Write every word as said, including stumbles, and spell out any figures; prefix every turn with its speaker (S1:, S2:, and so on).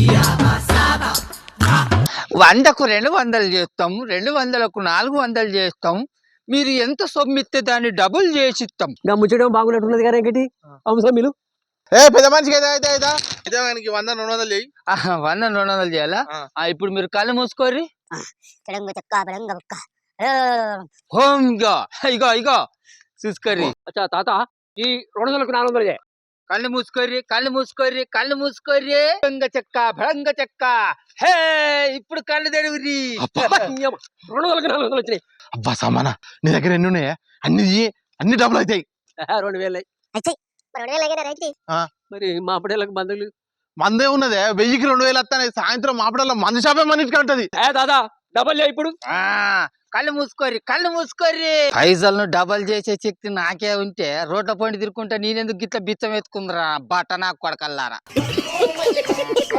S1: వందకు రెండు వందలు చేస్తాం, రెండు వందలకు నాలుగు వందలు చేస్తాం. మీరు ఎంత సొమ్మిస్తే దాన్ని డబుల్ చేసి ఇస్తాం.
S2: ఇంకా ముచ్చడం బాగున్నట్టున్నది కదా ఇంకటి అవసరం మీరు
S3: ఏ పెద్ద మనిషికి అయితే అయితే అయితే అయితే ఆయనకి వంద రెండు వందలు చెయ్యి.
S1: ఆహా, వంద రెండు వందలు చేయాలా?
S3: ఆ.
S1: ఆ, ఇప్పుడు మీరు కళ్ళు మూసుకోర్రి.
S4: పెడంగ చెక్క పెడంగ బుక్క
S1: హోమ్ ఇగో ఇగో ఇగో చూసుకోర్రి.
S2: అచ్చా తాత ఈ రెండు వందలకు నాలుగు వందలు
S1: కళ్ళు మూసుకోర్రి, కళ్ళు మూసుకోర్రి, కళ్ళు మూసుకోర్రి. భంగ చెక్క భంగ చెక్క. హే, ఇప్పుడు కళ్ళు తెరువురి.
S2: రెండు వందలకు నాలుగు వందలు వచ్చినాయి.
S3: అబ్బా సమాన నీ దగ్గర ఎన్ని ఉన్నాయా? అన్ని ఇయ్యి, అన్ని డబ్బులు అవుతాయి.
S2: రెండు వేలు
S3: ఆ,
S2: మరి మా అప్పుడేళ్ళకి బంధువులు
S3: మందే ఉన్నదే వెయ్యికి రెండు వేలు వస్తాయి. సాయంత్రం మాపడల్లో మంది షాపే మన ఇంటికి ఉంటది.
S2: ఏ దాదా డబల్ చేయి ఇప్పుడు.
S1: ఆ, కళ్ళు మూసుకోర్రి, కళ్ళు మూసుకోర్రి. పైసలను డబల్ చేసే శక్తి నాకే ఉంటే రోడ్ల పండి తిరుక్కుంటా నేనెందుకు గిట్ల బిచ్చం ఎత్తుకుందరా బట్ట నాకు కొడకల్లారా.